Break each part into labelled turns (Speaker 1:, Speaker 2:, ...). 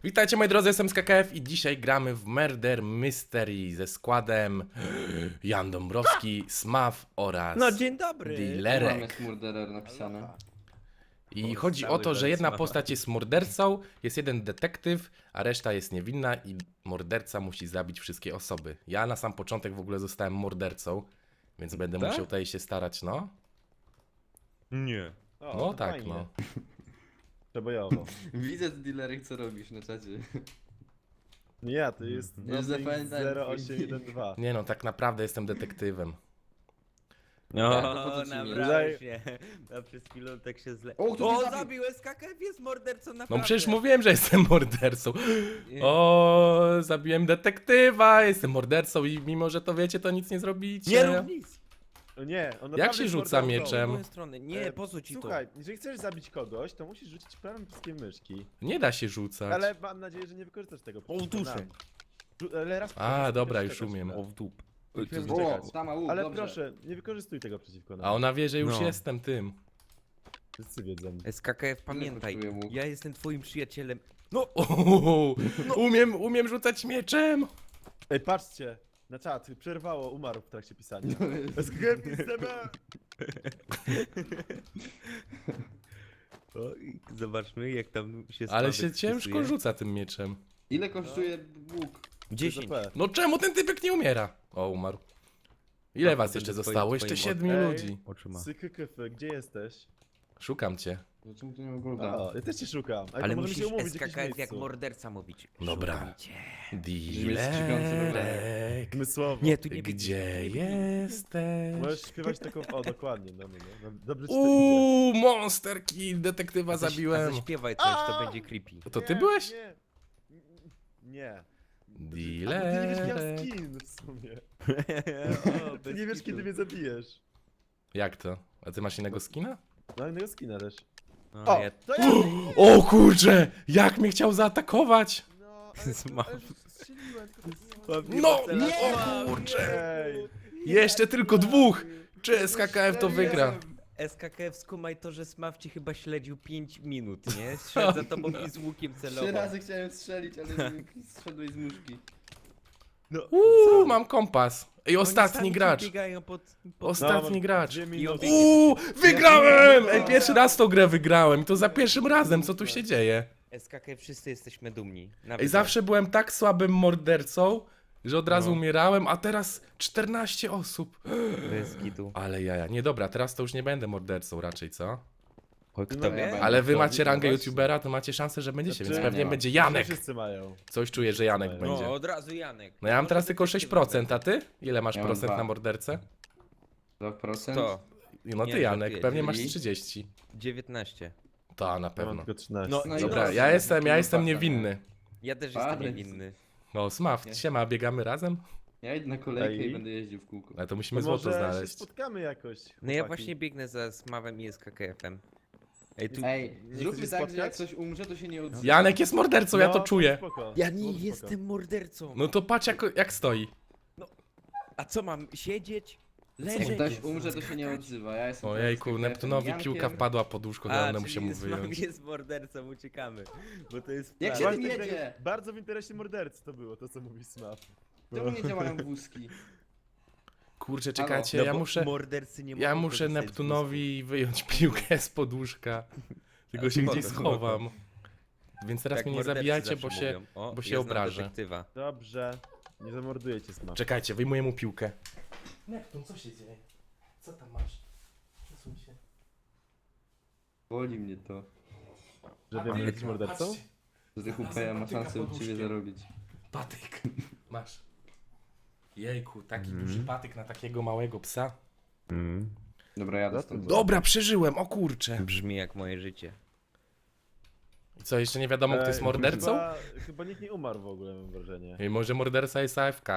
Speaker 1: Witajcie moi drodzy, jestem z KKF i dzisiaj gramy w Murder Mystery ze składem Jan Dąbrowski, Smaw oraz
Speaker 2: No dzień dobry!
Speaker 3: Mamy
Speaker 1: Dealerek.
Speaker 3: murderer napisane.
Speaker 1: I chodzi o to, że jedna postać jest mordercą, jest jeden detektyw, a reszta jest niewinna i morderca musi zabić wszystkie osoby. Ja na sam początek w ogóle zostałem mordercą, więc będę
Speaker 2: Tak?
Speaker 1: musiał tutaj się starać, no.
Speaker 2: Nie.
Speaker 1: No
Speaker 4: to
Speaker 1: tak,
Speaker 4: fajnie.
Speaker 1: no.
Speaker 4: Przebojowo.
Speaker 3: Widzę dealerek co robisz na czacie.
Speaker 4: Nie, to jest
Speaker 3: Już zapamiętałem
Speaker 4: 0812.
Speaker 1: Nie no, tak naprawdę jestem detektywem.
Speaker 2: No,
Speaker 3: Tak, to po co ci
Speaker 2: nabrałem się. A przez chwilę tak się źle.
Speaker 3: O, kto mnie zabił?
Speaker 2: zabił SKKF, jest mordercą
Speaker 1: No
Speaker 2: naprawdę.
Speaker 1: przecież mówiłem, że jestem mordercą. O, zabiłem detektywa, jestem mordercą i mimo, że to wiecie, to nic nie zrobicie.
Speaker 2: Nie rób nic!
Speaker 4: No nie, on
Speaker 1: Jak
Speaker 4: naprawdę
Speaker 1: się
Speaker 4: jest
Speaker 1: rzuca
Speaker 4: mordercą.
Speaker 2: W
Speaker 1: mieczem?
Speaker 2: moją stronę. Nie, po co ci
Speaker 4: Słuchaj, jeżeli chcesz zabić kogoś, to musisz rzucić prawym przyciskiem myszki.
Speaker 1: Nie da się rzucać.
Speaker 4: Ale mam nadzieję, że nie wykorzystasz tego.
Speaker 2: duszę.
Speaker 4: Ale raz
Speaker 1: A, dobra, już
Speaker 4: czekać
Speaker 1: umiem.
Speaker 4: na-
Speaker 2: O w dup.
Speaker 4: Musimy
Speaker 3: O,
Speaker 4: czekać.
Speaker 3: tam łuk,
Speaker 4: Ale
Speaker 3: dobrze.
Speaker 4: proszę, nie wykorzystuj tego przeciwko nam.
Speaker 1: A ona wie, że już
Speaker 2: No.
Speaker 1: jestem tym.
Speaker 4: Wszyscy wiedzą.
Speaker 2: SKKF, pamiętaj,
Speaker 3: kosztuje łuk?
Speaker 2: ja jestem twoim przyjacielem.
Speaker 1: Umiem rzucać mieczem.
Speaker 4: Ej, patrzcie! Na czat, przerwało, umarł w trakcie pisania. SKKF jest
Speaker 2: O, i zobaczmy jak tam się
Speaker 1: Ale
Speaker 2: Sławek
Speaker 1: się ciężko
Speaker 2: wpisuje.
Speaker 1: rzuca tym mieczem.
Speaker 3: Ile kosztuje łuk?
Speaker 2: 10.
Speaker 1: No czemu ten typek nie umiera? O, umarł. Ile
Speaker 2: No,
Speaker 1: was
Speaker 2: to
Speaker 1: jeszcze
Speaker 2: będzie
Speaker 1: zostało?
Speaker 2: twoim
Speaker 1: Jeszcze
Speaker 2: okiem.
Speaker 1: 7
Speaker 4: Ej.
Speaker 1: ludzi.
Speaker 2: Oczyma.
Speaker 4: SKKF, gdzie jesteś?
Speaker 1: Szukam cię.
Speaker 3: Czemu to nie ogląda?
Speaker 4: O, ja też cię szukam.
Speaker 2: Ale
Speaker 4: to możemy
Speaker 2: musisz
Speaker 4: się umówić w jakimś
Speaker 2: SKKF jak
Speaker 4: miejscu.
Speaker 2: morderca mówić.
Speaker 1: Dobra.
Speaker 2: Szukam cię.
Speaker 1: Dealerek.
Speaker 4: Zmysłowo.
Speaker 2: Nie, tu nie
Speaker 1: Gdzie
Speaker 2: nie
Speaker 1: jesteś?
Speaker 4: Możesz śpiewać taką, o dokładnie, no. Dobrze ci to idzie.
Speaker 1: Monster Kill, detektywa
Speaker 2: A
Speaker 1: zabiłem.
Speaker 2: zaśpiewaj coś, to będzie creepy.
Speaker 1: To ty
Speaker 4: Nie,
Speaker 1: byłeś?
Speaker 4: Nie. Nie. A, bo ty nie wiesz, jaki mam
Speaker 1: Dealerek.
Speaker 4: skin w sumie.
Speaker 2: O,
Speaker 4: Ty
Speaker 2: bez
Speaker 4: nie wiesz,
Speaker 2: kitu.
Speaker 4: kiedy mnie zabijesz.
Speaker 1: Jak to? A ty masz innego skina?
Speaker 4: No innego skina też.
Speaker 2: O,
Speaker 4: O,
Speaker 2: ja...
Speaker 4: to ja!
Speaker 1: O kurcze! Jak mnie chciał zaatakować?
Speaker 4: No, ale
Speaker 2: Zmarł.
Speaker 4: ale strzeliłem, tylko to
Speaker 1: No!
Speaker 2: Nie!
Speaker 1: O kurcze!
Speaker 4: Ej,
Speaker 1: Jeszcze tylko dwóch! Czy SKKF to wygra?
Speaker 2: SKKF, skumaj to, że Smaw ci chyba śledził 5 minut, nie? Szedł za tobą i z łukiem
Speaker 3: 3
Speaker 2: celował.
Speaker 3: razy chciałem strzelić, ale zszedłeś z muszki.
Speaker 2: No,
Speaker 1: Mam kompas. I ostatni
Speaker 2: Oni sami
Speaker 1: gracz.
Speaker 2: tu biegają pod...
Speaker 1: Ostatni gracz.
Speaker 4: 2
Speaker 2: I
Speaker 4: minuty.
Speaker 2: on
Speaker 1: Wygrałem! Ej, pierwszy raz tą grę wygrałem. I to za pierwszym razem. Co tu się dzieje?
Speaker 2: SKKF, wszyscy jesteśmy dumni. Nawet
Speaker 1: Ej, zawsze byłem tak słabym mordercą, że od razu
Speaker 2: No.
Speaker 1: umierałem, a teraz 14 osób.
Speaker 2: bez kitu.
Speaker 1: Ale jaja. Nie, dobra, teraz to już nie będę mordercą raczej, co?
Speaker 2: Kto
Speaker 4: No,
Speaker 2: wie?
Speaker 3: ja
Speaker 1: Ale wy
Speaker 4: To
Speaker 1: macie
Speaker 4: nie
Speaker 1: rangę
Speaker 4: właśnie.
Speaker 1: youtubera, to macie szansę, że będziecie, więc
Speaker 4: Znaczy,
Speaker 1: pewnie
Speaker 3: nie.
Speaker 1: będzie Janek.
Speaker 4: Wszyscy mają.
Speaker 1: Coś czuję, że Janek
Speaker 4: No,
Speaker 1: będzie.
Speaker 2: No, od razu Janek.
Speaker 1: No ja mam teraz tylko 6%, a ty? Ile masz
Speaker 3: Ja mam
Speaker 1: procent
Speaker 3: 2.
Speaker 1: na mordercę?
Speaker 3: 2%?
Speaker 2: To,
Speaker 1: No ty
Speaker 2: Nie,
Speaker 1: Janek,
Speaker 2: żartuję,
Speaker 1: pewnie masz
Speaker 3: czyli?
Speaker 1: 30.
Speaker 2: 19.
Speaker 1: To na
Speaker 4: Ja mam
Speaker 1: pewno.
Speaker 4: tylko 13.
Speaker 2: No,
Speaker 3: i
Speaker 1: Dobra,
Speaker 3: dobrze,
Speaker 1: ja jestem
Speaker 3: farta,
Speaker 1: niewinny.
Speaker 2: Ja też
Speaker 3: Parę.
Speaker 2: jestem niewinny.
Speaker 1: No Smaf,
Speaker 3: Nie.
Speaker 1: siema, biegamy razem?
Speaker 3: Ja idę na kolejkę
Speaker 4: Ej.
Speaker 3: i będę jeździł w kółko.
Speaker 1: Ale to musimy
Speaker 4: To
Speaker 1: złoto
Speaker 4: może się
Speaker 1: znaleźć.
Speaker 4: spotkamy jakoś.
Speaker 2: No ja
Speaker 4: chłopaki.
Speaker 2: właśnie biegnę za Smawem i SKKF-em. Ej, tu...
Speaker 3: Ej,
Speaker 4: Nie
Speaker 3: zróbmy
Speaker 4: chcesz
Speaker 3: tak, że
Speaker 4: spotkać?
Speaker 3: jak ktoś umrze, to się nie odzywa.
Speaker 1: Janek jest mordercą, ja to
Speaker 4: No,
Speaker 1: czuję.
Speaker 4: spoko,
Speaker 2: Ja
Speaker 4: no,
Speaker 2: nie
Speaker 4: spoko.
Speaker 2: jestem mordercą.
Speaker 1: No to patrz jak stoi.
Speaker 2: A co mam, siedzieć?
Speaker 3: Jak
Speaker 2: Leżeć?
Speaker 3: ktoś umrze, to się nie odzywa. Ja jestem
Speaker 1: Ojejku,
Speaker 3: teraz
Speaker 1: Neptunowi
Speaker 3: Jankiem.
Speaker 1: piłka wpadła pod łóżko,
Speaker 2: A,
Speaker 1: będę musiał
Speaker 2: czyli
Speaker 1: mu
Speaker 2: Smaw
Speaker 1: wyjąć.
Speaker 2: jest mordercą, uciekamy. Bo to jest
Speaker 3: Jak
Speaker 2: plan.
Speaker 3: się
Speaker 4: Właśnie
Speaker 3: tym
Speaker 4: tak
Speaker 3: jedzie?
Speaker 4: Bardzo w interesie mordercy to było, to co mówi Smaf.
Speaker 3: Czemu nie działają wózki?
Speaker 1: Kurczę,
Speaker 3: Halo.
Speaker 1: czekajcie,
Speaker 2: No
Speaker 1: ja
Speaker 2: bo
Speaker 1: muszę...
Speaker 2: mordercy nie
Speaker 1: Ja
Speaker 2: mogą
Speaker 1: muszę
Speaker 2: korzystać z
Speaker 1: Neptunowi wyjąć piłkę z podłóżka. Tylko
Speaker 2: A,
Speaker 1: się
Speaker 2: spoko,
Speaker 1: gdzieś
Speaker 2: spoko.
Speaker 1: schowam. Więc teraz
Speaker 2: Tak
Speaker 1: mnie nie
Speaker 2: mordercy
Speaker 1: zabijajcie,
Speaker 2: zawsze
Speaker 1: bo się
Speaker 2: mówią. O,
Speaker 1: bo się
Speaker 2: ja znam
Speaker 1: obrażę.
Speaker 2: detektywa.
Speaker 4: Dobrze. Nie zamorduję cię Smaf.
Speaker 1: Czekajcie, wyjmuję mu piłkę. Neptun, co się dzieje? Co tam masz? Przesuń się.
Speaker 3: Boli mnie to.
Speaker 4: Że wiem, że jesteś mordercą?
Speaker 3: Że tych UPA ma szansę od ciebie zarobić.
Speaker 1: Patyk. Masz. Jejku, taki duży patyk na takiego małego psa.
Speaker 3: Dobra, jadę
Speaker 4: Za
Speaker 3: stąd.
Speaker 4: to
Speaker 1: Dobra, przeżyłem, o kurcze.
Speaker 2: Brzmi jak moje życie.
Speaker 1: I co, jeszcze nie wiadomo, kto jest
Speaker 4: Ej,
Speaker 1: mordercą?
Speaker 4: Chyba nikt nie umarł w ogóle, mam wrażenie.
Speaker 1: I może morderca jest AFK.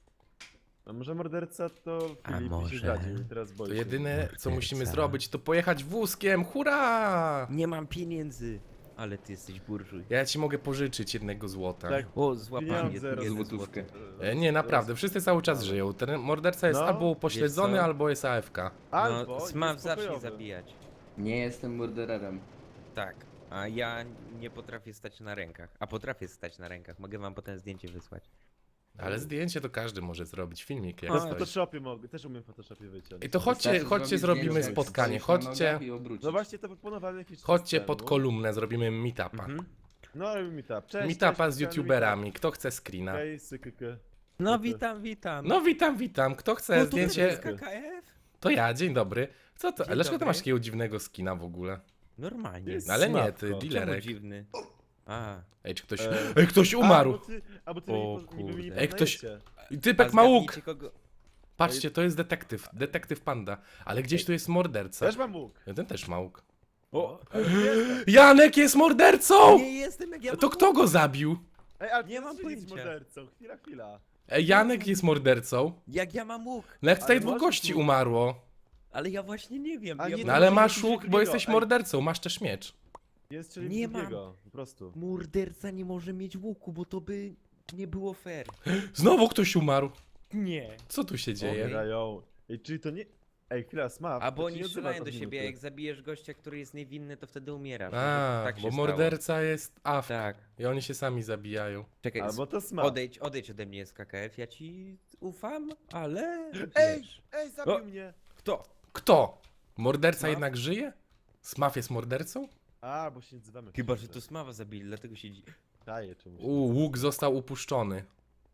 Speaker 4: A może morderca to
Speaker 2: A
Speaker 4: Filip mi
Speaker 2: może-
Speaker 4: się zdradził i teraz boi
Speaker 1: To
Speaker 4: się.
Speaker 1: jedyne, co
Speaker 2: Morderca.
Speaker 1: musimy zrobić, to pojechać wózkiem, hurra!
Speaker 2: Nie mam pieniędzy. Ale ty jesteś burżuj.
Speaker 1: Ja ci mogę pożyczyć jednego złota.
Speaker 4: Tak.
Speaker 2: O, złapałem
Speaker 4: Pieniądze
Speaker 2: jedno
Speaker 3: Złotówkę.
Speaker 2: złote.
Speaker 1: Nie, naprawdę, wszyscy cały czas żyją. Ten morderca jest
Speaker 4: No,
Speaker 1: albo
Speaker 2: wiesz
Speaker 1: upośledzony,
Speaker 2: co?
Speaker 1: albo jest AFK.
Speaker 4: Albo
Speaker 2: No,
Speaker 4: jest
Speaker 2: Smaw zacznie
Speaker 4: pokojowy.
Speaker 2: zabijać.
Speaker 3: Nie jestem mordererem.
Speaker 2: Tak. A ja nie potrafię stać na rękach. A potrafię stać na rękach. Mogę wam potem zdjęcie wysłać.
Speaker 1: Ale zdjęcie to każdy może zrobić, filmik jak
Speaker 4: Ja w
Speaker 1: stoisz.
Speaker 4: Photoshopie mogę, też umiem w Photoshopie wyciąć.
Speaker 1: I to chodźcie,
Speaker 3: Wystarczy
Speaker 1: chodźcie
Speaker 3: zrobić
Speaker 1: zrobimy
Speaker 3: zdjęcie, jak
Speaker 1: spotkanie,
Speaker 3: stoisz na
Speaker 1: chodźcie,
Speaker 3: nogach i obrócić.
Speaker 4: No właśnie to proponowałem jakiś czas
Speaker 1: chodźcie
Speaker 4: temu.
Speaker 1: pod kolumnę, zrobimy meetupa.
Speaker 2: Mhm.
Speaker 4: No robimy meetup. Cześć,
Speaker 1: Meetupa
Speaker 4: cześć,
Speaker 1: z youtuberami, kto chce screena?
Speaker 4: Hej, sykyky.
Speaker 2: No witam, witam.
Speaker 1: No witam, kto chce
Speaker 2: No to
Speaker 1: zdjęcie?
Speaker 2: jest KKF?
Speaker 1: To ja, dzień dobry. Co to?
Speaker 2: Dzień
Speaker 1: Dlaczego ty
Speaker 2: dobry.
Speaker 1: masz takiego dziwnego skina w ogóle?
Speaker 2: Normalnie.
Speaker 4: Jest
Speaker 1: No ale nie,
Speaker 4: sławko.
Speaker 1: ty,
Speaker 4: Czemu
Speaker 2: Czemu
Speaker 1: dealerek.
Speaker 2: dziwny? A.
Speaker 1: Ej, czy ktoś...
Speaker 4: E,
Speaker 1: Ej, ktoś umarł!
Speaker 4: A, bo ty
Speaker 2: O
Speaker 4: niby mnie nie
Speaker 2: kurde.
Speaker 1: Ej, ktoś-
Speaker 4: poznajecie.
Speaker 1: Typek
Speaker 2: A
Speaker 1: ma łuk!
Speaker 2: zgadnijcie, kogo...
Speaker 1: Patrzcie, to jest detektyw panda. Ale gdzieś tu jest morderca.
Speaker 4: Też mam łuk.
Speaker 1: Ten też ma łuk.
Speaker 2: O!
Speaker 4: Jestem.
Speaker 1: Janek jest mordercą!
Speaker 2: Nie jestem jak ja
Speaker 1: To
Speaker 2: mam
Speaker 1: kto go zabił?
Speaker 4: Ej, ale
Speaker 2: Nie
Speaker 4: ty
Speaker 2: mam
Speaker 4: jesteś
Speaker 2: pojęcia.
Speaker 4: mordercą. Chwila.
Speaker 1: Ej, Janek jest mordercą.
Speaker 2: Jak ja mam łuk?
Speaker 1: No jak tutaj
Speaker 4: Ale
Speaker 1: dwóch
Speaker 4: masz
Speaker 1: gości
Speaker 4: łuk.
Speaker 1: umarło.
Speaker 2: Ale ja właśnie nie wiem.
Speaker 4: A
Speaker 2: ja
Speaker 4: nie,
Speaker 1: No
Speaker 2: mam-
Speaker 1: ale
Speaker 4: może
Speaker 1: masz
Speaker 4: coś
Speaker 1: łuk, bo
Speaker 4: drugiego.
Speaker 1: jesteś
Speaker 4: Ej.
Speaker 1: mordercą, masz też miecz.
Speaker 4: Jest czyli
Speaker 2: Nie
Speaker 4: drugiego, po prostu.
Speaker 2: Morderca nie może mieć łuku, bo to by nie było fair.
Speaker 1: Znowu ktoś umarł.
Speaker 2: Nie.
Speaker 1: Co tu się dzieje?
Speaker 2: Okej.
Speaker 4: Grają. Ej, czyli to nie... Ej, chwila, Smaf.
Speaker 2: Albo
Speaker 4: to ci
Speaker 2: oni
Speaker 4: nie
Speaker 2: strzelają
Speaker 4: odzywa
Speaker 2: do
Speaker 4: od
Speaker 2: siebie,
Speaker 4: minuty.
Speaker 2: jak zabijesz gościa, który jest niewinny, to wtedy umierasz.
Speaker 1: A,
Speaker 2: tak się
Speaker 1: bo
Speaker 2: stało.
Speaker 1: morderca jest AFK.
Speaker 2: Tak.
Speaker 1: I oni się sami zabijają.
Speaker 2: Czekaj,
Speaker 4: Albo to Smaf.
Speaker 2: odejdź ode mnie z KKF, ja ci ufam, ale...
Speaker 4: Ej,
Speaker 2: wiesz.
Speaker 4: ej, zabił
Speaker 2: O.
Speaker 4: mnie.
Speaker 2: Kto?
Speaker 1: Kto? Morderca
Speaker 4: Smaf?
Speaker 1: jednak żyje? Smaf jest mordercą?
Speaker 4: A, bo się nie odzywamy.
Speaker 2: Chyba, że to Smawa zabili, dlatego się dzi...
Speaker 4: Daje czemuś.
Speaker 1: Łuk został upuszczony.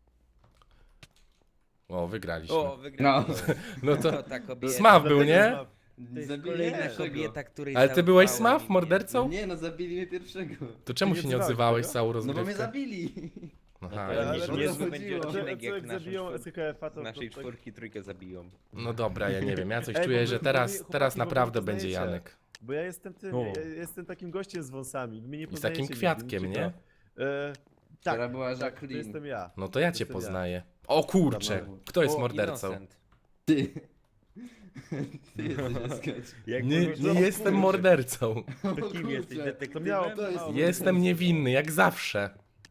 Speaker 1: O, wygraliśmy.
Speaker 2: O, wygrałem.
Speaker 1: No to
Speaker 2: To ta kobieta.
Speaker 1: Smaf był,
Speaker 4: Dlatego
Speaker 1: nie?
Speaker 4: Smaf.
Speaker 2: To jest
Speaker 3: Zabili
Speaker 2: kolejna
Speaker 3: pierwszego.
Speaker 2: kobieta, której
Speaker 1: Ale ty byłeś
Speaker 2: zaufałem
Speaker 1: Smaf
Speaker 2: i
Speaker 1: mordercą?
Speaker 3: Nie, no zabili mnie pierwszego.
Speaker 1: To czemu
Speaker 4: nie
Speaker 1: się nie
Speaker 4: odzywałeś
Speaker 1: odzywałeś
Speaker 4: tego?
Speaker 1: całą
Speaker 3: No bo mnie
Speaker 1: rozgrywkę?
Speaker 3: zabili.
Speaker 1: Aha,
Speaker 2: Ale
Speaker 1: ja
Speaker 4: Ale
Speaker 1: nie
Speaker 4: to
Speaker 1: wiem.
Speaker 2: niezły
Speaker 3: chodziło.
Speaker 2: będzie
Speaker 4: Co
Speaker 2: odcinek jak
Speaker 4: jak
Speaker 2: naszą
Speaker 4: zabiją
Speaker 2: czwórkę.
Speaker 4: SKF-a, to...
Speaker 2: Naszej
Speaker 4: to tak-
Speaker 2: czwórki trójkę zabiją.
Speaker 1: No dobra, ja nie wiem, ja coś
Speaker 4: Ej,
Speaker 1: czuję,
Speaker 4: bo
Speaker 1: że
Speaker 4: wy-
Speaker 1: teraz,
Speaker 4: chłopaki,
Speaker 1: teraz
Speaker 4: bo wy
Speaker 1: naprawdę
Speaker 4: nie
Speaker 1: będzie
Speaker 4: poznajecie.
Speaker 1: Janek.
Speaker 4: Bo ja jestem tym,
Speaker 2: O.
Speaker 4: ja jestem takim gościem z wąsami. Wy mnie nie
Speaker 1: I z takim
Speaker 4: poznajecie,
Speaker 1: kwiatkiem,
Speaker 4: widzicie
Speaker 1: nie?
Speaker 4: to. Tak,
Speaker 3: Która była
Speaker 4: tak, to
Speaker 3: Jacqueline.
Speaker 4: jestem ja.
Speaker 1: No to ja cię
Speaker 4: Jestem ja.
Speaker 1: poznaję. O kurczę,
Speaker 3: Dobra.
Speaker 1: kto jest
Speaker 2: O,
Speaker 1: mordercą?
Speaker 2: Innocent.
Speaker 3: Ty. Ty jesteś skać.
Speaker 2: Jak
Speaker 1: Nie,
Speaker 2: możesz-
Speaker 1: nie jestem mordercą.
Speaker 2: To kim jesteś,
Speaker 4: To
Speaker 2: detektywem?
Speaker 4: miało,
Speaker 3: To jest-
Speaker 1: Jestem niewinny, jak zawsze.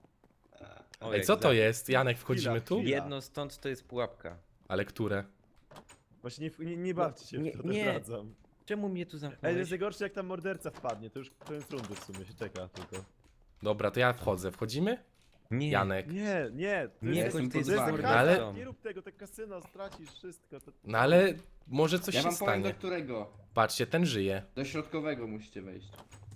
Speaker 2: O,
Speaker 1: Ej,
Speaker 2: jak
Speaker 1: co to
Speaker 2: za-
Speaker 1: jest? Janek, wchodzimy tu?
Speaker 4: Chwila.
Speaker 2: Jedno stąd to jest pułapka.
Speaker 1: Ale które?
Speaker 4: Właśnie nie bawcie się
Speaker 2: Nie,
Speaker 4: w to,
Speaker 2: nie.
Speaker 4: zdradzam.
Speaker 2: Czemu mnie tu
Speaker 4: Ej,
Speaker 2: zamknąłeś?
Speaker 4: jest najgorsze jak tam morderca wpadnie, to już koniec rundy w sumie się czeka tylko.
Speaker 1: Dobra, to ja wchodzę. Wchodzimy?
Speaker 2: Nie.
Speaker 1: Janek.
Speaker 4: Nie, to
Speaker 2: Nie,
Speaker 4: jest,
Speaker 2: koń, ty
Speaker 3: to
Speaker 2: jesteś
Speaker 3: jest
Speaker 4: kasa,
Speaker 3: mordercą.
Speaker 1: ale-
Speaker 2: mordercą.
Speaker 4: nie rób tego, te kasyno, stracisz wszystko. To...
Speaker 1: No ale może coś
Speaker 3: Ja
Speaker 1: się
Speaker 3: wam powiem do
Speaker 1: stanie.
Speaker 3: którego.
Speaker 1: Patrzcie, ten żyje.
Speaker 3: Do środkowego musicie wejść.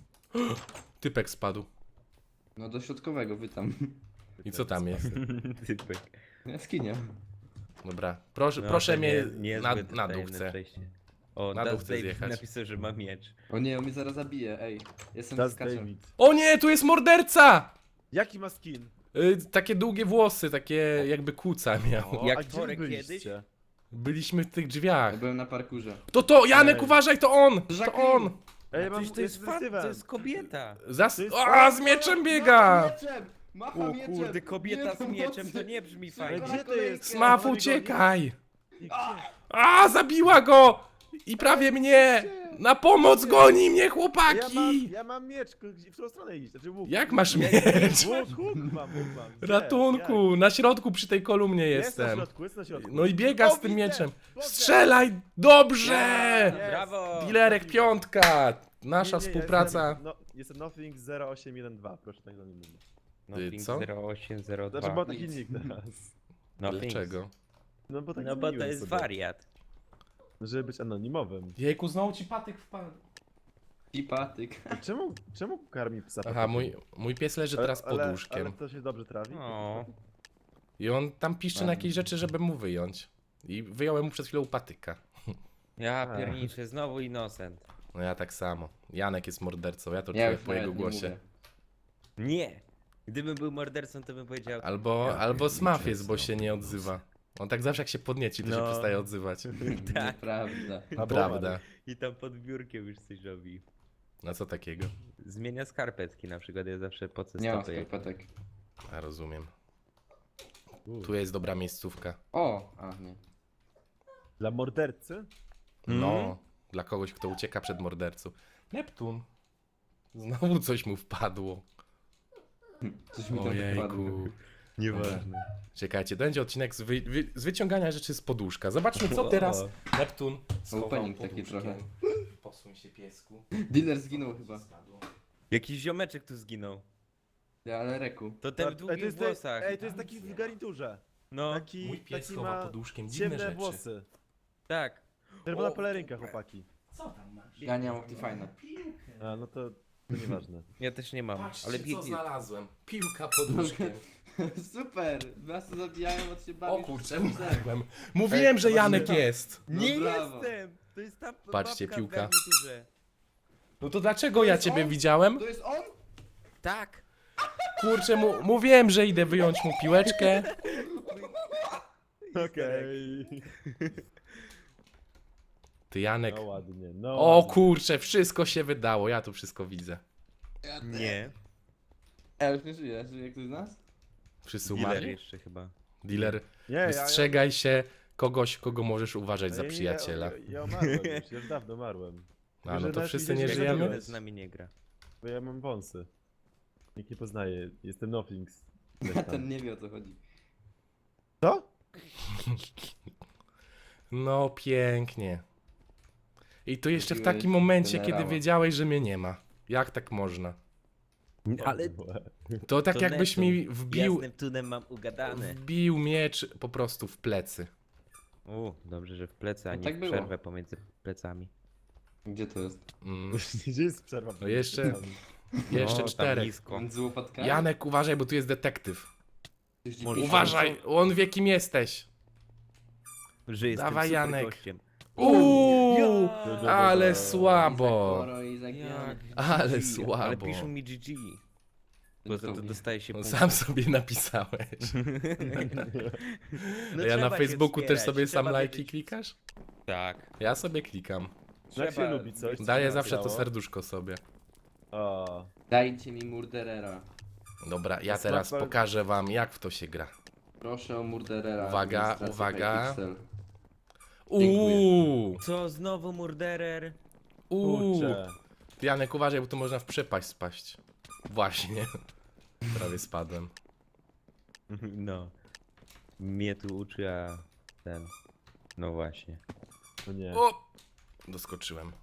Speaker 1: Typek spadł.
Speaker 3: No do środkowego, wy tam.
Speaker 1: I co tam jest?
Speaker 2: Typek.
Speaker 3: Jaskinia.
Speaker 1: Dobra, proszę,
Speaker 2: No,
Speaker 1: proszę
Speaker 2: to
Speaker 1: mnie
Speaker 2: niezłe
Speaker 1: na
Speaker 2: tajemne
Speaker 1: dół chcę.
Speaker 2: przejście. O,
Speaker 1: Na dół
Speaker 2: Das
Speaker 1: chcę
Speaker 2: David
Speaker 1: zjechać.
Speaker 2: napisał, że ma miecz.
Speaker 3: O nie, on mnie zaraz zabije, ej. Jestem
Speaker 4: Das
Speaker 3: skaczem.
Speaker 4: David.
Speaker 1: O nie, tu jest morderca!
Speaker 4: Jaki ma skin?
Speaker 1: Takie długie włosy, takie jakby kuca miał.
Speaker 4: O,
Speaker 2: Jak
Speaker 4: a gdzie
Speaker 2: Torek
Speaker 4: wy
Speaker 2: kiedyś?
Speaker 4: byliście?
Speaker 1: Byliśmy w tych
Speaker 3: Ja
Speaker 1: drzwiach.
Speaker 3: byłem na parkurze.
Speaker 1: To Janek,
Speaker 4: Ej.
Speaker 1: uważaj, to on! To
Speaker 3: Jacqueline.
Speaker 1: on!
Speaker 4: Ej, mam,
Speaker 2: Przecież to jest fan, to jest kobieta.
Speaker 1: Zas...
Speaker 4: jest-
Speaker 1: A, z mieczem biega!
Speaker 3: Macha mieczem! Macha
Speaker 2: O
Speaker 3: mieczem!
Speaker 2: kurde, kobieta z
Speaker 3: Nie,
Speaker 2: mieczem, to
Speaker 3: pomocy!
Speaker 2: nie brzmi
Speaker 3: Szybko
Speaker 2: fajnie.
Speaker 3: na
Speaker 4: Gdzie to
Speaker 3: kolejkę.
Speaker 4: jest?
Speaker 1: Smaf,
Speaker 4: Goni,
Speaker 1: uciekaj!
Speaker 4: Gdzie?
Speaker 1: A, zabiła go! I prawie mnie! Na pomoc goni mnie, chłopaki!
Speaker 4: Ja mam miecz, w którą stronę iść? Znaczy łuk.
Speaker 1: Jak masz
Speaker 2: Ja-
Speaker 1: miecz?
Speaker 4: Łuk mam. Gdzie?
Speaker 1: Ratunku, na środku przy tej kolumnie
Speaker 4: Jak? Jest na
Speaker 1: jestem.
Speaker 4: środku, jest na środku.
Speaker 1: No i biega z
Speaker 4: O,
Speaker 1: tym
Speaker 4: widzę!
Speaker 1: mieczem.
Speaker 4: Boże!
Speaker 1: Strzelaj! Dobrze!
Speaker 4: Jest.
Speaker 2: Brawo!
Speaker 1: Dilerek piątka! Nasza
Speaker 4: Nie,
Speaker 1: współpraca.
Speaker 4: Jestem Nothing 0812, proszę tak do mnie mówić.
Speaker 2: Nothing
Speaker 1: co?
Speaker 2: 0802.
Speaker 4: Znaczy, bo taki
Speaker 3: Nic.
Speaker 4: nick teraz.
Speaker 2: Nothing.
Speaker 1: Dlaczego?
Speaker 4: No bo tak
Speaker 2: No bo to
Speaker 4: zmieniłem
Speaker 2: jest
Speaker 4: sobie.
Speaker 2: wariat.
Speaker 4: Żeby być anonimowym.
Speaker 1: Jejku, znowu ci patyk wpadł.
Speaker 3: I patyk.
Speaker 4: Czemu karmi psa?
Speaker 1: Aha, mój pies leży teraz pod
Speaker 4: Ale
Speaker 1: łóżkiem.
Speaker 4: to się dobrze trawi?
Speaker 2: O.
Speaker 1: I on tam piszczy na jakieś rzeczy, żeby mu wyjąć. I wyjąłem mu przed chwilą patyka.
Speaker 2: Ja pierniczę, znowu Innocent.
Speaker 1: No ja tak samo. Janek jest mordercą, ja to
Speaker 3: Ja
Speaker 1: czuję
Speaker 3: już
Speaker 1: po jego
Speaker 3: nawet nie
Speaker 1: głosie.
Speaker 3: mówię.
Speaker 2: Nie! Gdybym był mordercą, to bym powiedział...
Speaker 1: Albo Smaf jest, bo się nie odzywa. On tak zawsze jak się podnieci, to się
Speaker 2: No.
Speaker 1: przestaje odzywać.
Speaker 2: Tak.
Speaker 3: Nieprawda.
Speaker 1: Prawda.
Speaker 2: I tam pod biurkiem już coś robi.
Speaker 1: No co takiego?
Speaker 2: Zmienia skarpetki na przykład, ja zawsze po co
Speaker 3: Nie mam
Speaker 2: stopy jak...
Speaker 3: skarpetek.
Speaker 1: A rozumiem. Tu jest dobra miejscówka.
Speaker 3: O! A, nie.
Speaker 4: Dla mordercy?
Speaker 1: No, dla kogoś, kto ucieka przed mordercą. Neptun. Znowu coś mu wpadło.
Speaker 3: Coś mi tam wpadło.
Speaker 1: Ojejku.
Speaker 2: Nieważne.
Speaker 1: Czekajcie, to będzie odcinek z wyciągania rzeczy z poduszka. Zobaczmy, co teraz Neptun schował
Speaker 3: Opening
Speaker 1: pod
Speaker 3: taki
Speaker 1: łóżkiem.
Speaker 3: trochę.
Speaker 1: Posuń się, piesku.
Speaker 3: Dealer zginął chyba.
Speaker 1: Spadło.
Speaker 2: Jakiś ziomeczek tu zginął.
Speaker 3: Ja, ale Reku.
Speaker 2: To ten w długich włosach.
Speaker 4: Ej, to jest taki w garniturze.
Speaker 2: No,
Speaker 4: Taki,
Speaker 1: Mój pies
Speaker 4: taki
Speaker 1: chowa
Speaker 4: ma
Speaker 1: pod łóżkiem dziwne
Speaker 4: ciemne
Speaker 1: rzeczy.
Speaker 4: włosy.
Speaker 2: tak.
Speaker 4: Czerwona
Speaker 1: O,
Speaker 4: pelerynka,
Speaker 1: super.
Speaker 4: chłopaki.
Speaker 1: Co tam masz?
Speaker 3: Ja nie mam Optifine.
Speaker 4: A, no to nieważne.
Speaker 2: Ja też nie mam,
Speaker 1: Patrzcie,
Speaker 2: ale
Speaker 1: co
Speaker 2: biegnie.
Speaker 1: znalazłem. Piłka pod łóżkiem.
Speaker 3: Super! Was to zabijają, od się
Speaker 1: O
Speaker 3: bawisz.
Speaker 1: kurczę, umarłem. Mówiłem, że Janek jest.
Speaker 3: No
Speaker 2: Nie
Speaker 3: brawo.
Speaker 2: jestem! To jest ta
Speaker 1: Patrzcie,
Speaker 2: babka
Speaker 1: piłka.
Speaker 2: w garniturze.
Speaker 1: No to dlaczego ja
Speaker 3: jest
Speaker 1: ciebie
Speaker 3: on?
Speaker 1: widziałem?
Speaker 3: To jest on?
Speaker 2: Tak!
Speaker 1: Kurczę, mówiłem, że idę wyjąć mu piłeczkę.
Speaker 4: Okej.
Speaker 1: Ty Janek.
Speaker 4: No ładnie, no
Speaker 1: O
Speaker 4: ładnie.
Speaker 1: kurczę, wszystko się wydało, ja tu wszystko widzę.
Speaker 2: Nie.
Speaker 3: Ja już nie żyję. Żyje ktoś z nas?
Speaker 1: Wszyscy
Speaker 2: Dealer
Speaker 1: umarli?
Speaker 2: jeszcze chyba.
Speaker 1: Dealer,
Speaker 4: Nie,
Speaker 1: wystrzegaj się kogoś, kogo możesz uważać za
Speaker 4: nie,
Speaker 1: przyjaciela.
Speaker 4: Ja umarłem już, ja już dawno umarłem.
Speaker 1: A no
Speaker 4: że
Speaker 1: to
Speaker 4: nas
Speaker 1: wszyscy
Speaker 4: widzieć
Speaker 1: nie
Speaker 4: nie
Speaker 1: żyjemy?
Speaker 4: zabiłeś.
Speaker 2: Nikt z nami nie gra.
Speaker 4: Bo ja mam wąsy. Nikt nie poznaje, jestem Nothings.
Speaker 3: Ten nie wie o co chodzi.
Speaker 4: Co?
Speaker 1: No pięknie. I to jeszcze w
Speaker 3: Zrobiłeś
Speaker 1: takim momencie, kiedy
Speaker 3: generała.
Speaker 1: wiedziałeś, że mnie nie ma. Jak tak można?
Speaker 2: Ale
Speaker 1: To tak
Speaker 2: To
Speaker 1: jakbyś
Speaker 2: Neptun.
Speaker 1: mi wbił,
Speaker 2: jasnym tunem mam ugadane.
Speaker 1: wbił miecz po prostu w plecy.
Speaker 2: Dobrze, że w plecy, a
Speaker 3: No
Speaker 2: nie
Speaker 3: tak
Speaker 2: w
Speaker 3: było.
Speaker 2: przerwę pomiędzy plecami.
Speaker 3: Gdzie to jest?
Speaker 1: Mm.
Speaker 4: Gdzie jest przerwa?
Speaker 1: No jeszcze- Jeszcze
Speaker 2: tam
Speaker 1: 4.
Speaker 2: blisko.
Speaker 3: Między łopatkami?
Speaker 1: Janek, uważaj, bo tu jest detektyw.
Speaker 3: Coś
Speaker 2: Może-
Speaker 3: dziwnego.
Speaker 1: Uważaj, on wie kim jesteś.
Speaker 2: Że jestem
Speaker 1: Dawaj,
Speaker 2: super
Speaker 1: Janek.
Speaker 2: gościem.
Speaker 1: Uuu,
Speaker 4: Ja!
Speaker 1: ale
Speaker 3: Izak
Speaker 1: słabo.
Speaker 3: Moro, Izak Jan.
Speaker 1: Ale
Speaker 2: Ale
Speaker 1: słabo.
Speaker 2: piszą mi GG. Bo za to dostaje się
Speaker 1: No,
Speaker 2: punkt.
Speaker 1: sam sobie napisałeś.
Speaker 2: No
Speaker 1: Ja na
Speaker 2: trzeba się
Speaker 1: Facebooku też
Speaker 2: wspierać,
Speaker 1: sobie sam
Speaker 2: trzeba
Speaker 1: lajki
Speaker 2: wiedzieć.
Speaker 1: klikasz?
Speaker 2: Tak.
Speaker 1: Ja sobie klikam.
Speaker 4: Jak się
Speaker 2: Trzeba-
Speaker 4: lubi coś? co
Speaker 1: Daję
Speaker 4: się
Speaker 1: zawsze to
Speaker 4: nagrało?
Speaker 1: serduszko sobie.
Speaker 4: O,
Speaker 3: Dajcie mi Murderera.
Speaker 1: Dobra, ja
Speaker 4: Smack
Speaker 1: teraz
Speaker 4: Ball-
Speaker 1: pokażę wam, jak w to się gra.
Speaker 3: Proszę o Murderera.
Speaker 1: Uwaga,
Speaker 3: administracja
Speaker 1: uwaga.
Speaker 3: Hypixel.
Speaker 1: Uuu,
Speaker 2: Co, znowu murderer?
Speaker 4: kurczę.
Speaker 1: Janek, uważaj, bo tu można w przepaść spaść. Właśnie. Prawie spadłem.
Speaker 2: No. Mnie tu uczy, a ten... No właśnie.
Speaker 4: O nie.
Speaker 1: O! Doskoczyłem.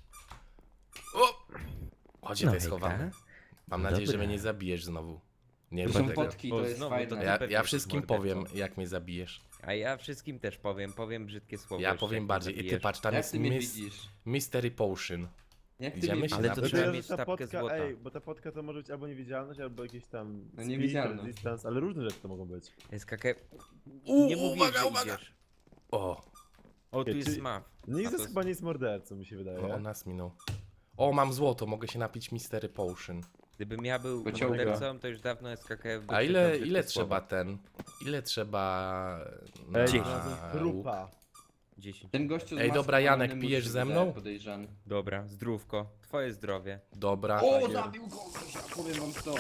Speaker 1: O! Chodź, to jest
Speaker 2: hejka.
Speaker 1: chowane. Mam
Speaker 2: No
Speaker 1: nadzieję, że
Speaker 2: dobra.
Speaker 1: mnie nie zabijesz znowu. Nie
Speaker 3: To
Speaker 1: rób
Speaker 3: są
Speaker 1: tego.
Speaker 3: potki,
Speaker 2: O,
Speaker 3: to jest
Speaker 2: znowu,
Speaker 3: fajne.
Speaker 2: to ty
Speaker 1: Ja
Speaker 2: pewnie
Speaker 1: ja
Speaker 2: jesteś
Speaker 1: wszystkim
Speaker 2: mordercą.
Speaker 1: powiem, jak mnie zabijesz.
Speaker 2: A ja wszystkim też powiem brzydkie słowo.
Speaker 1: Ja
Speaker 2: jeszcze,
Speaker 1: powiem
Speaker 2: jak
Speaker 1: bardziej. I ty
Speaker 2: zabijesz.
Speaker 1: patrz, tam
Speaker 3: Jak
Speaker 1: jest
Speaker 3: ty mnie widzisz?
Speaker 1: Mystery Potion.
Speaker 3: Jak ty
Speaker 1: Idziemy
Speaker 3: mnie
Speaker 1: się
Speaker 2: Ale
Speaker 3: widzisz?
Speaker 2: to
Speaker 1: na-
Speaker 2: trzeba
Speaker 4: że
Speaker 2: mieć
Speaker 4: ta
Speaker 2: stawkę
Speaker 4: podka,
Speaker 2: złota.
Speaker 4: ej, bo ta podka to może być albo niewidzialność, albo jakieś tam
Speaker 3: No
Speaker 4: speed,
Speaker 3: niewidzialność.
Speaker 4: distance, ale różne rzeczy to mogą być.
Speaker 2: SKK...
Speaker 1: U,
Speaker 2: Nie mówię,
Speaker 1: uwaga,
Speaker 2: że
Speaker 1: uwaga.
Speaker 2: idziesz.
Speaker 1: O,
Speaker 2: O, tu
Speaker 4: Ej,
Speaker 2: jest
Speaker 4: czy-
Speaker 2: smaf.
Speaker 4: Nikt
Speaker 2: A
Speaker 4: z nas
Speaker 2: to-
Speaker 4: chyba nie jest mordercą, mi się wydaje.
Speaker 1: no on nas minął. O, mam złoto, mogę się napić Mystery Potion.
Speaker 2: Gdybym ja był
Speaker 3: Pociąga.
Speaker 2: mordercą, to już dawno SKK...
Speaker 1: A ile trzeba ten? Ile trzeba...
Speaker 4: Ej,
Speaker 2: Dziesięć.
Speaker 4: znalazłem trupa.
Speaker 2: 10.
Speaker 3: Ten gościu z
Speaker 1: Ej,
Speaker 3: maską
Speaker 1: dobra, Janek,
Speaker 3: musi
Speaker 1: pijesz
Speaker 3: być
Speaker 1: ze mną?
Speaker 3: Podejrzany.
Speaker 2: Dobra, zdrówko. Twoje zdrowie.
Speaker 1: Dobra.
Speaker 3: O, zabił kogoś, powiem wam to.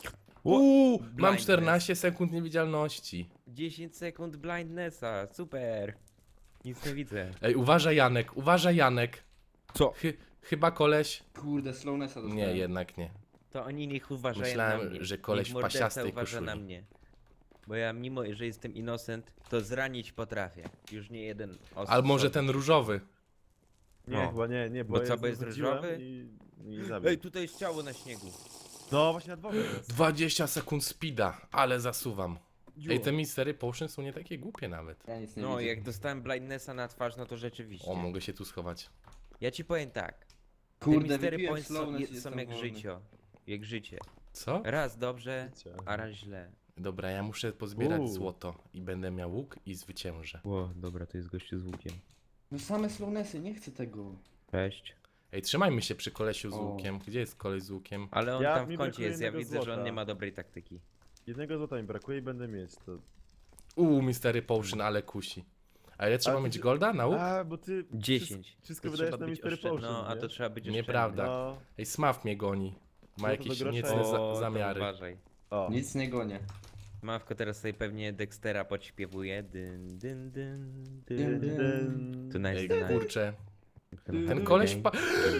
Speaker 1: Uuu, mam
Speaker 2: Blindness.
Speaker 1: 14 sekund niewidzialności.
Speaker 2: 10 sekund blindnessa, super. Nic nie widzę.
Speaker 1: Ej, uważaj Janek, uważaj Janek.
Speaker 2: Co?
Speaker 1: Chyba koleś...
Speaker 3: Kurde, slownessa dostałem.
Speaker 1: Nie, jednak nie.
Speaker 2: To oni niech uważają
Speaker 1: Myślałem,
Speaker 2: na mnie.
Speaker 1: że koleś
Speaker 2: Niech
Speaker 1: w
Speaker 2: morderca
Speaker 1: pasiastej
Speaker 2: uważa na
Speaker 1: koszuli.
Speaker 2: mnie. Bo ja mimo, że jestem innocent, to zranić potrafię. Już nie jeden osób.
Speaker 1: Albo może ten różowy.
Speaker 4: Nie,
Speaker 2: No.
Speaker 4: chyba nie,
Speaker 2: Bo
Speaker 4: ja
Speaker 2: co, bo jest
Speaker 4: wychodziłem
Speaker 2: różowy?
Speaker 4: I zabił.
Speaker 2: Ej, tutaj jest ciało na śniegu.
Speaker 4: No właśnie na dworze jest.
Speaker 1: 20 sekund speeda, ale zasuwam. Ej, te Mystery Potion są nie takie głupie nawet.
Speaker 3: Ja nic nie
Speaker 2: No,
Speaker 3: widzę.
Speaker 2: jak dostałem blindnessa na twarz, no to rzeczywiście.
Speaker 1: O, mogę się tu schować.
Speaker 2: Ja ci powiem tak. Te
Speaker 3: Kurde,
Speaker 2: mistery
Speaker 3: wypiłem
Speaker 2: points są,
Speaker 3: slowness i
Speaker 2: są
Speaker 3: jestem
Speaker 2: jak
Speaker 3: wolny.
Speaker 2: życie. Jak życie.
Speaker 1: Co?
Speaker 2: Raz dobrze,
Speaker 4: Życie.
Speaker 2: a raz źle.
Speaker 1: Dobra, ja muszę pozbierać
Speaker 4: Uuu.
Speaker 1: złoto i będę miał łuk i zwyciężę.
Speaker 2: Ło, dobra, to jest gościu z łukiem.
Speaker 3: No same slownessy, nie chcę tego.
Speaker 2: Cześć.
Speaker 1: Ej, trzymajmy się przy kolesiu z
Speaker 3: O.
Speaker 1: łukiem. Gdzie jest koleś z łukiem?
Speaker 2: Ale on
Speaker 4: Ja-
Speaker 2: tam w
Speaker 4: mi
Speaker 2: kącie
Speaker 4: brakuje
Speaker 2: jest, ja
Speaker 4: jednego
Speaker 2: widzę, że on
Speaker 4: złota.
Speaker 2: nie ma dobrej taktyki.
Speaker 4: Jednego złota mi brakuje i będę mieć to.
Speaker 1: Mystery Potion, ale kusi. A ile trzeba
Speaker 4: Ale
Speaker 1: mieć
Speaker 4: ty-
Speaker 1: golda na łuk?
Speaker 4: A, bo ty
Speaker 2: 10.
Speaker 4: wszystko
Speaker 2: To
Speaker 4: wydajesz
Speaker 2: trzeba
Speaker 4: na
Speaker 2: być
Speaker 4: Mystery
Speaker 2: oszczędny.
Speaker 4: Potion,
Speaker 2: No, a
Speaker 4: nie?
Speaker 2: to trzeba być oszczędny.
Speaker 1: Nieprawda.
Speaker 4: No,
Speaker 1: Ej, Smaf mnie goni. Ma
Speaker 4: Złoto do
Speaker 1: jakieś
Speaker 4: grosza
Speaker 1: niecne
Speaker 4: jest.
Speaker 2: O, to
Speaker 1: zamiary.
Speaker 2: uważaj.
Speaker 4: o.
Speaker 3: Nic nie gonię.
Speaker 2: Mawko teraz sobie pewnie Dextera podśpiewuje. Dyn, dyn, dyn,
Speaker 3: Dyn,
Speaker 2: dyn.
Speaker 3: dyn.
Speaker 2: To nice,
Speaker 1: Ej,
Speaker 2: to nice.
Speaker 1: kurczę.
Speaker 3: Ten
Speaker 1: Ten koleś
Speaker 2: Okej.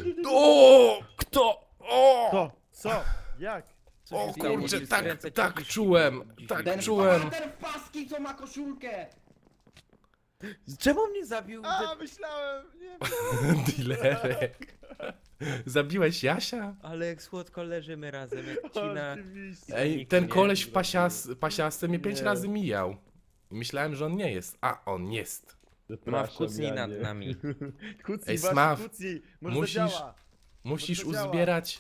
Speaker 1: O! Kto? O!
Speaker 4: Co? Co? Jak?
Speaker 2: Co
Speaker 1: O
Speaker 2: się stało?
Speaker 1: kurczę,
Speaker 2: Musisz
Speaker 1: tak,
Speaker 2: skręcać
Speaker 1: tak
Speaker 2: jakiś-
Speaker 1: czułem.
Speaker 2: jakiś-
Speaker 1: Tak
Speaker 3: Ten,
Speaker 1: czułem.
Speaker 3: ten w paski, co ma koszulkę!
Speaker 2: Czemu mnie zabił?
Speaker 4: A, myślałem! Nie,
Speaker 1: Dilerek. Zabiłeś Jasia?
Speaker 2: Ale jak słodko leżymy razem, jak ci na...
Speaker 4: oczywiście.
Speaker 1: Ej,
Speaker 2: Nikt
Speaker 1: ten
Speaker 2: nie
Speaker 1: koleś w pasiasce mnie 5
Speaker 4: Nie.
Speaker 1: razy mijał. I myślałem, że on nie jest. A, on jest.
Speaker 2: Ma wkucnij nad
Speaker 4: Janie.
Speaker 2: nami.
Speaker 4: Kucnij,
Speaker 1: Ej,
Speaker 4: właśnie,
Speaker 1: Smaf,
Speaker 4: kucnij. Może
Speaker 1: musisz-
Speaker 4: to działa.
Speaker 1: Musisz
Speaker 4: to działa.
Speaker 1: uzbierać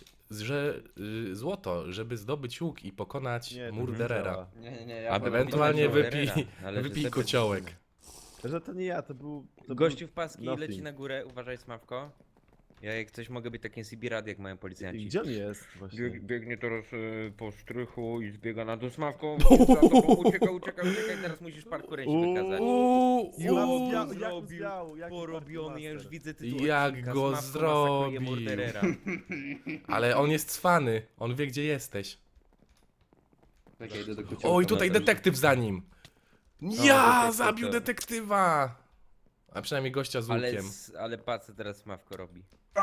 Speaker 1: złoto, żeby zdobyć łuk i pokonać
Speaker 4: Nie, to
Speaker 1: murderera.
Speaker 4: działa.
Speaker 3: Nie, ja
Speaker 2: Aby
Speaker 3: wolę-
Speaker 1: Ewentualnie
Speaker 2: pokonać
Speaker 1: wypij,
Speaker 2: murderera, ale
Speaker 1: wypij
Speaker 2: że
Speaker 1: kociołek.
Speaker 4: Że to nie ja, to był... To
Speaker 2: Gościu w paski
Speaker 4: nothing.
Speaker 2: leci na górę, uważaj Smawko. Ja jak coś mogę być takim CB jak mają
Speaker 4: był...
Speaker 2: policjanci.
Speaker 4: Gdzie on jest właśnie?
Speaker 2: Biegnie teraz po strychu i zbiega na dół Smawko. Uciekaj, teraz musisz parkurę się wykazać.
Speaker 1: Uuu,
Speaker 4: Jak
Speaker 2: zrobił,
Speaker 4: zbiał, jaki
Speaker 2: Porobiony, ja już
Speaker 4: master.
Speaker 2: widzę tytuł
Speaker 1: Jak
Speaker 2: odcinka,
Speaker 1: go
Speaker 2: Smawko
Speaker 1: zrobił.
Speaker 2: masakruje murderera.
Speaker 1: Ale on jest cwany, on wie gdzie jesteś.
Speaker 3: Czekaj, idę do kociołka.
Speaker 1: Oj, tutaj
Speaker 3: Mateusz.
Speaker 1: detektyw za nim.
Speaker 2: No,
Speaker 1: Ja
Speaker 2: detektyw
Speaker 1: zabił
Speaker 2: to-
Speaker 1: detektywa! A przynajmniej gościa z łukiem.
Speaker 2: Ale patrz co teraz Smawko robi.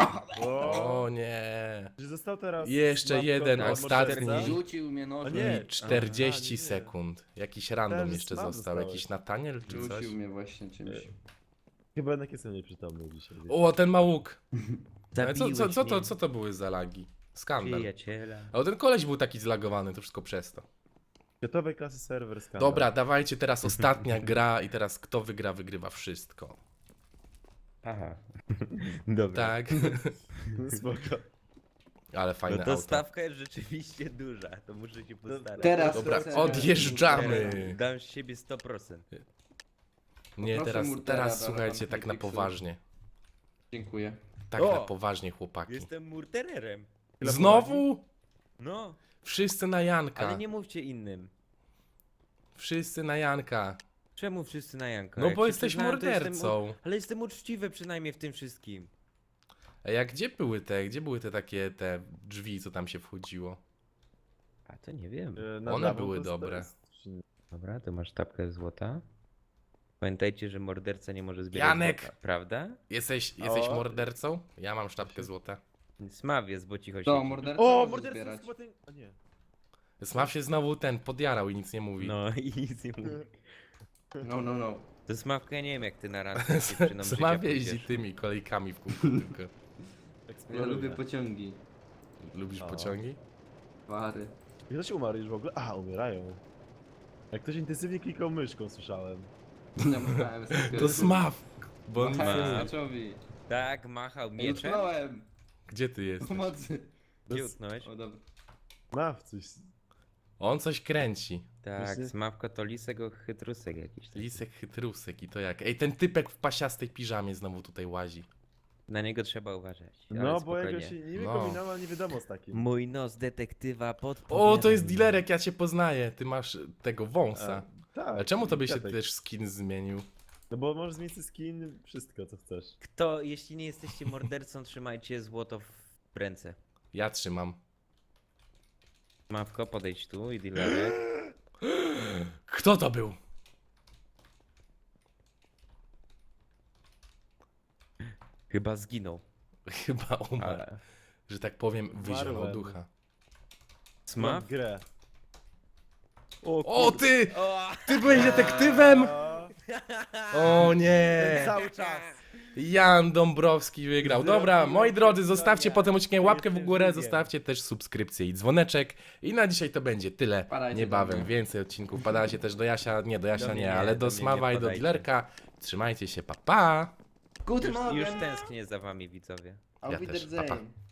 Speaker 1: O nie.
Speaker 4: Że został teraz...
Speaker 1: Jeszcze
Speaker 4: Smawko
Speaker 1: jeden,
Speaker 4: od
Speaker 1: ostatni.
Speaker 4: morderca?
Speaker 3: Rzucił mnie nożem.
Speaker 4: O nie.
Speaker 1: I 40
Speaker 4: nie.
Speaker 1: sekund. Jakiś random
Speaker 4: Myślałem, że
Speaker 1: jeszcze
Speaker 4: sam
Speaker 1: został.
Speaker 4: dostałeś.
Speaker 1: Jakiś Nataniel czy coś?
Speaker 3: Rzucił mnie właśnie czymś.
Speaker 4: Chyba jednak jestem nieprzytomny dzisiaj.
Speaker 1: O, ten ma łuk. Ale
Speaker 2: Zabiłeś
Speaker 1: co to były za lagi? Skandal.
Speaker 2: Przyjaciela.
Speaker 1: Ale ten koleś był taki zlagowany, to wszystko przez to.
Speaker 4: Gotowej klasy serwer skandal.
Speaker 1: Dobra, dawajcie teraz ostatnia gra i teraz kto wygra, wygrywa wszystko.
Speaker 2: Aha. Dobra.
Speaker 1: Tak?
Speaker 4: Spoko.
Speaker 1: Ale fajne
Speaker 2: No to
Speaker 1: auto.
Speaker 2: stawka jest rzeczywiście duża, to muszę się postarać.
Speaker 3: Teraz
Speaker 1: Dobra,
Speaker 3: serwer.
Speaker 1: odjeżdżamy.
Speaker 2: Dam z siebie 100%.
Speaker 1: Nie,
Speaker 3: Poproszę
Speaker 1: teraz
Speaker 3: Murtera do
Speaker 1: słuchajcie,
Speaker 3: tam
Speaker 1: tak na
Speaker 3: Netflixu.
Speaker 1: poważnie.
Speaker 3: Dziękuję.
Speaker 1: Tak
Speaker 2: O!
Speaker 1: na poważnie, chłopaki.
Speaker 2: Jestem murdererem.
Speaker 1: Znowu?
Speaker 2: No,
Speaker 1: Wszyscy na Janka.
Speaker 2: ale nie mówcie innym.
Speaker 1: Wszyscy na Janka.
Speaker 2: Czemu wszyscy na Janka?
Speaker 1: No
Speaker 2: Jak
Speaker 1: bo
Speaker 2: się
Speaker 1: jesteś
Speaker 2: przyznałem, to jestem
Speaker 1: mordercą.
Speaker 2: Ale jestem uczciwy przynajmniej w tym wszystkim.
Speaker 1: A gdzie były te takie te drzwi, co tam się wchodziło?
Speaker 2: A to nie wiem.
Speaker 1: One były dobre.
Speaker 2: Dobra, to masz tapkę złota. Pamiętajcie, że morderca nie może zbierać
Speaker 1: Janek!
Speaker 2: złota, prawda?
Speaker 1: Jesteś
Speaker 4: O.
Speaker 1: mordercą? Ja mam sztabkę złota.
Speaker 2: Smaw jest, bo cicho
Speaker 3: To,
Speaker 2: siedzi.
Speaker 3: morderca
Speaker 4: O,
Speaker 3: może
Speaker 4: morderca
Speaker 3: zbierać.
Speaker 4: jest chyba ten... A nie.
Speaker 1: Smaw się znowu podjarał i nic nie mówi.
Speaker 2: No i nic nie mówi.
Speaker 3: No.
Speaker 2: To Smawka, ja nie wiem jak ty na randkę z dziewczyną życia
Speaker 1: Smaw jeździ
Speaker 2: pójdziesz.
Speaker 1: tymi kolejkami w kółko tylko.
Speaker 3: Ja lubię pociągi.
Speaker 1: Lubisz
Speaker 4: O.
Speaker 1: pociągi?
Speaker 3: Pary.
Speaker 4: Jak ktoś umarł już w ogóle? A, umierają. Jak ktoś intensywnie klikał myszką, słyszałem.
Speaker 3: Namachałem sobie.
Speaker 1: To Smaw! Bo on nic nie
Speaker 3: Machałem
Speaker 1: mówi.
Speaker 3: Smaczowi.
Speaker 2: Tak, machał
Speaker 3: Ej,
Speaker 2: mieczem.
Speaker 3: utknąłem.
Speaker 1: Gdzie ty jesteś?
Speaker 3: Pomocy.
Speaker 2: Gdzie utknąłeś?
Speaker 3: O, dobra.
Speaker 4: Maw coś.
Speaker 1: On coś kręci.
Speaker 2: Tak,
Speaker 4: Właśnie-
Speaker 2: Smawka to lisek o chytrusek jakiś. Taki.
Speaker 1: Lisek chytrusek i to jak? Ej, ten typek w pasiastej piżamie znowu tutaj łazi.
Speaker 2: Na niego trzeba uważać. ale
Speaker 4: No, bo
Speaker 2: spokojnie.
Speaker 4: jakoś nie
Speaker 1: No.
Speaker 4: wypominam, ale nie wiadomo z takim.
Speaker 2: Mój nos detektywa pod.
Speaker 1: O, to jest dilerek, ja cię poznaję. Ty masz tego wąsa.
Speaker 4: Tak.
Speaker 1: A czemu tobie się
Speaker 4: kwiatek.
Speaker 1: też skin zmienił?
Speaker 4: No bo możesz zmienić skin, wszystko co chcesz.
Speaker 2: Kto, jeśli nie jesteście mordercą, trzymajcie złoto w ręce.
Speaker 1: Ja trzymam.
Speaker 2: Mawko, podejdź tu i dilerek.
Speaker 1: Kto to był?
Speaker 2: Chyba zginął.
Speaker 1: Chyba umarł.
Speaker 2: Ale...
Speaker 1: Że tak powiem, wyzionął
Speaker 4: Umarłem.
Speaker 1: ducha.
Speaker 2: Smaw?
Speaker 4: Mam grę.
Speaker 1: O ty!
Speaker 2: O!
Speaker 1: Ty byłeś detektywem?
Speaker 4: O,
Speaker 1: O nie!
Speaker 4: cały czas.
Speaker 1: Jan Dąbrowski wygrał. Dobra,
Speaker 4: Zrobiłem
Speaker 1: moi drodzy,
Speaker 4: historię.
Speaker 1: zostawcie po tym odcinku łapkę w
Speaker 4: Jestem
Speaker 1: górę,
Speaker 4: żywiem.
Speaker 1: zostawcie też subskrypcję i dzwoneczek. I na dzisiaj to będzie tyle.
Speaker 3: Padajcie
Speaker 1: Niebawem
Speaker 3: do mnie.
Speaker 1: więcej odcinków. Padajcie też do Jasia, nie do Jasia
Speaker 2: Do mnie
Speaker 1: nie,
Speaker 2: nie,
Speaker 1: ale
Speaker 2: do
Speaker 1: do
Speaker 2: mnie
Speaker 1: Smawa
Speaker 2: nie
Speaker 1: i do
Speaker 2: podajcie.
Speaker 1: Dilerka. Trzymajcie się, pa pa!
Speaker 3: Guten
Speaker 2: Już
Speaker 3: Morgen.
Speaker 2: tęsknię za wami, widzowie.
Speaker 3: Auf
Speaker 1: Ja też. Pa, pa.
Speaker 3: Wiedersehen.